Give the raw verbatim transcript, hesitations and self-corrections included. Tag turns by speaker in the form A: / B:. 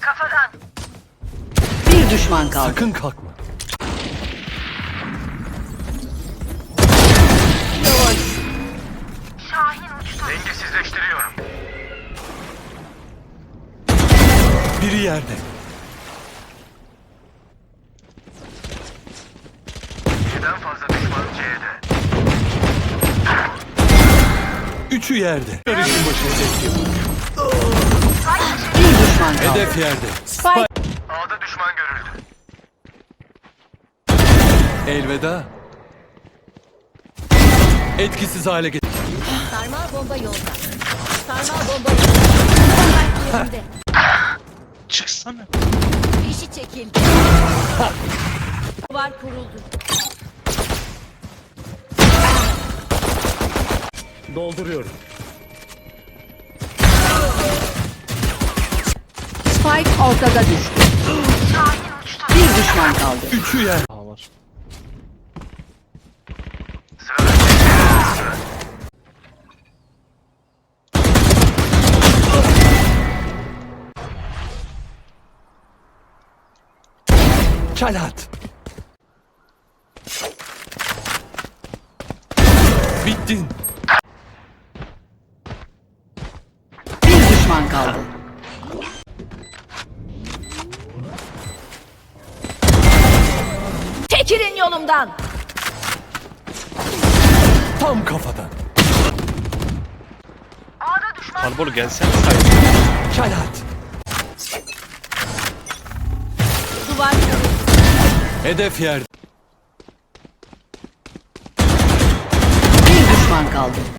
A: Kafadan.
B: Bir düşman kaldı.
C: Sakın kalkma.
A: Şahin uçtu. Dengesizleştiriyorum.
C: Biri yerde.
A: Birden fazla düşman C'de.
C: Üçü yerde. Karışın başına tek.
B: Bir düşman kaldı.
C: Hedef yerde.
B: Spike.
A: A'da düşman görüldü.
C: Elveda. Etkisiz hale getir.
D: Sarmal bomba yolda. Sarmal bomba yolda. Yerinde.
E: Çıksana.
D: Fişi çekildi. Duvar kuruldu.
C: Dolduruyorum.
B: Spike ortada düştü. Bir düşman kaldı.
C: Üçü yer.
E: Aa var.
A: Sırada
C: Çalat. Bittin.
B: Bir düşman kaldı.
D: Çekilin yolumdan.
C: Tam kafadan.
A: A'da düşman.
E: Harbor gelsene sayın.
C: Çalat.
D: Duvar kuruldu.
C: Hedef yerde.
B: Bir düşman kaldı.